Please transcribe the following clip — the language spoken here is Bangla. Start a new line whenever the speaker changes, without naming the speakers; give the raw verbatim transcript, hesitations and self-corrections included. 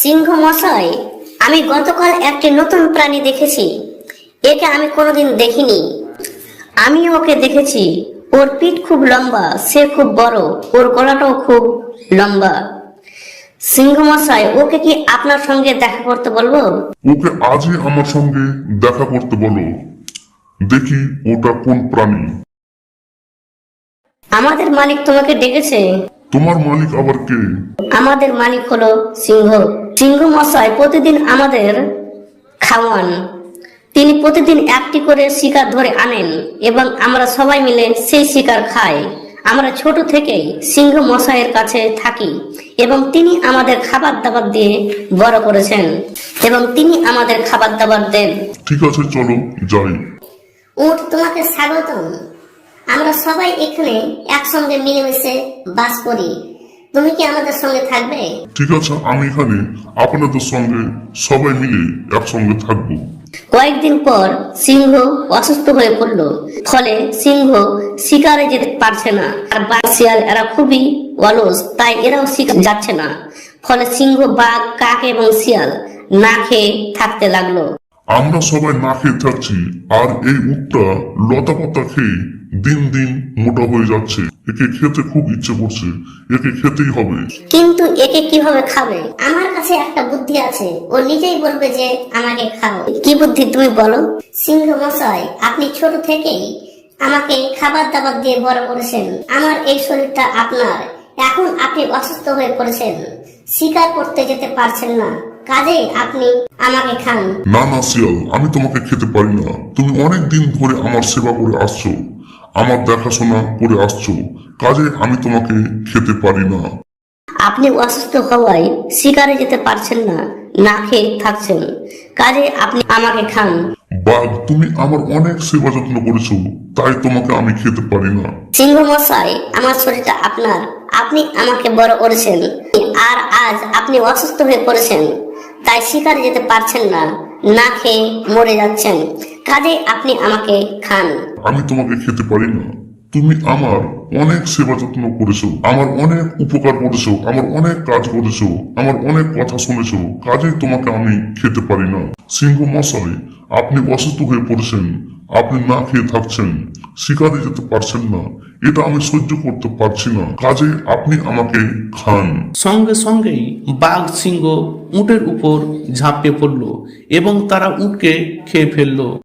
সিংহ মশাই, আমি গতকাল একটি নতুন প্রাণী দেখেছি। একে আমি কোনোদিন দেখিনি। আমি ওকে দেখেছি। ওর পিঠ খুব লম্বা, সে খুব বড়, ওর গলাটাও খুব লম্বা। সিংহ মশাই, ওকে কি আপনার সঙ্গে দেখা করতে বলবো?
ওকে আজই আমার সঙ্গে দেখা করতে বলো, দেখি ওটা কোন প্রাণী।
আমাদের মালিক তোমাকে ডেকেছে।
তোমার মালিক আবার কে?
আমাদের মালিক হলো সিংহ। সিংহ মশাই প্রতিদিন আমাদের খাওয়ান। তিনি প্রতিদিন একটি করে শিকার ধরে আনেন এবং আমরা সবাই মিলে সেই শিকার খাই। আমরা ছোট থেকেই সিংহ মশাইয়ের কাছে থাকি এবং তিনি আমাদের খাবার দাবার দিয়ে বড় করেছেন এবং তিনি আমাদের খাবার দাবার দেন।
ঠিক আছে, চলো যাই।
উট, তোমাকে স্বাগতম। আমরা সবাই এখানে একসঙ্গে মিলেমিশে বাস করি। তুমি কি আমাদের সঙ্গে থাকবে?
ঠিক আছে, আমি এখানে আপনাদের সঙ্গে সবাই মিলে একসঙ্গে থাকবো।
কয়েকদিন পর সিংহ অসুস্থ হয়ে পড়ল। ফলে সিংহ শিকারে যেতে পারছে না। আর বাঘ, শিয়াল এরা খুবই অলস, তাই এরাও শিকার যাচ্ছে না। ফলে সিংহ, বাঘ, কাক এবং শিয়াল না খেয়ে থাকতে লাগলো।
আমরা সবাই না খেয়ে থাকছি, আর এই উটটা লতা পাতা খেয়ে দিন দিন মোটা হয়ে যাচ্ছে। একে খেতে খুব ইচ্ছে করছে, একে খেতেই হবে।
কিন্তু একে কিভাবে খাবে? আমার কাছে একটা বুদ্ধি আছে। ও নিজেই বলবে যে আমাকে খাও। কি বুদ্ধি তুমি বলো? সিংহ মশাই, আপনি ছোট থেকেই আমাকে খাবার দাবার দিয়ে বড় করেছেন। আমার এই শরীরটা আপনার। এখন আপনি অসুস্থ হয়ে পড়েছেন, শিকার করতে যেতে পারছেন না, কাজে আপনি আমাকে খান।
না না শিয়াল, আমি তোমাকে খেতে পারি না। তুমি অনেক দিন ধরে আমার সেবা করে আসছো, আমার দেখাশোনা করে আসছো, কাজে আমি তোমাকে খেতে পারি না।
আপনি অসুস্থ হওয়ায় শিকারে যেতে পারছেন না, না খেয়ে থাকছেন, কাজে আপনি আমাকে খান।
বাঘ, তুমি আমার অনেক সেবা যত্ন করেছো, তাই তোমাকে আমি খেতে পারি না।
সিংহ মশাই, আমার শরীরটা আপনার। আপনি আমাকে বড় করেছেন, আর আজ আপনি অসুস্থ হয়ে পড়েছেন, তাই শিকারে যেতে পারছেন না, না খেয়ে মরে যাচ্ছেন, কাজে আপনি আমাকে খান।
আমি তোমাকে খেতে পারি না। তুমি আমার অনেক সেবা যত্ন করেছো, আমার অনেক উপকার করেছো, আমার অনেক কাজ করেছো, আমার অনেক কথা শুনেছো, কাজেই তোমাকে আমি খেতে পারি না। সিংহ মশাই, আপনি অসুস্থ হয়ে পড়েছেন, আপনি না খেয়ে থাকছেন, শিকারে যেতে পারছেন না, এটা আমি সহ্য করতে পারছি না, কাজে আপনি আমাকে খান।
সঙ্গে সঙ্গেই বাঘ সিংহ উটের উপর ঝাঁপিয়ে পড়ল এবং তারা উটকে খেয়ে ফেলল।